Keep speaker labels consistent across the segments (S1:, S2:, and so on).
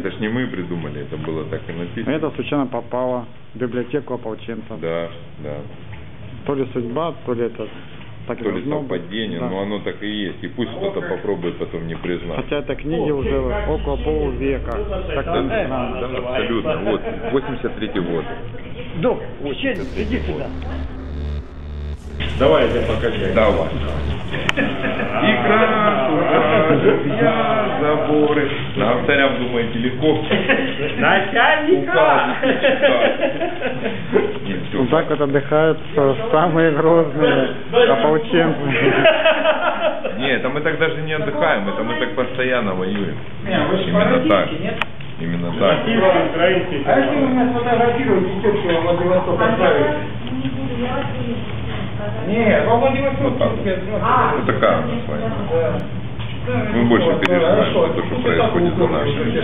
S1: Это ж не мы придумали, это было так и написано.
S2: Это случайно попало в библиотеку ополченцев.
S1: Да, да.
S2: То ли судьба, то ли это так
S1: То ли совпадение,
S2: да.
S1: но оно так и есть. И пусть кто-то попробует потом не признать.
S2: Хотя это книги уже около полувека. Так
S1: Да, да, абсолютно. Вот, 83-й год.
S3: Док, иди сюда.
S4: Давай я тебя покачаю.
S1: Давай. Игра, я заборы. Нам царям, думаете, легко?
S3: Начальника!
S2: Вот так вот отдыхают самые грозные ополченцы.
S1: Нет, это мы так даже не отдыхаем, это мы так постоянно воюем. Именно так. Именно так.
S4: А если вы меня сфотографируете, тетку во Владивосток отправите? Нет, во Владивосток.
S1: Вот так. Вот такая у нас с вами. Мы больше переживаем за то, что происходит за нашими.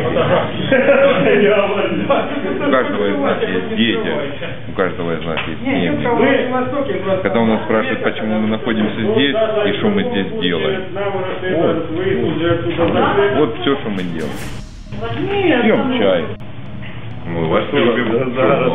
S1: У каждого из нас есть дети, у каждого из нас есть семьи. Когда у нас спрашивают, почему мы находимся здесь и что мы здесь делаем. Вот все, что мы делаем. Пьем чай. Мы вас любим.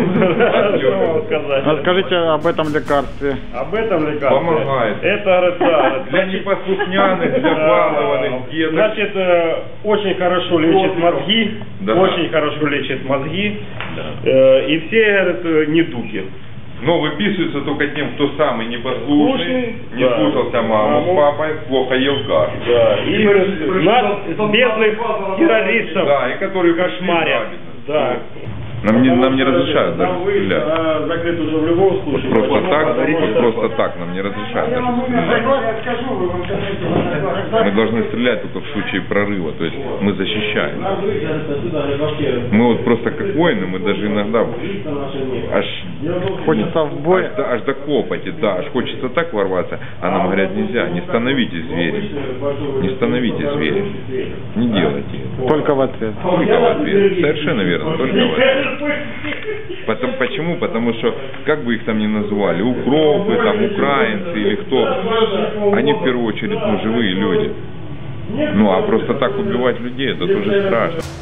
S2: Расскажите об этом лекарстве.
S4: Об этом лекарстве.
S1: Помогает.
S4: Это да,
S1: для непослушняных, для балованных деток.
S4: Значит, очень хорошо лечит мозги,
S1: Да.
S4: очень хорошо лечит мозги, и все, говорят, недуги.
S1: Но выписывается только тем, кто самый непослушный, не
S4: да.
S1: слушался маму с папой, плохо ел кашу.
S4: Да. И нас, бедных террористов,
S1: Да, и которые
S4: кошмарят. Да.
S1: Нам не разрешают даже стрелять.
S4: Закрыт уже в любом случае.
S1: Вот просто так нам не разрешают даже стрелять. Мы должны стрелять только в случае прорыва, то есть мы защищаем. Мы вот просто как воины, мы даже иногда аж
S2: Хочется в бой.
S1: аж до копоти, да, аж хочется так ворваться, а нам говорят нельзя, не становитесь зверем, не становитесь зверем, не делайте это.
S2: Только в ответ.
S1: Только в ответ. Совершенно верно, только в ответ. Почему? Потому что, как бы их там ни называли, укропы, там, украинцы или кто, они в первую очередь живые люди. Ну, а просто так убивать людей, это тоже страшно.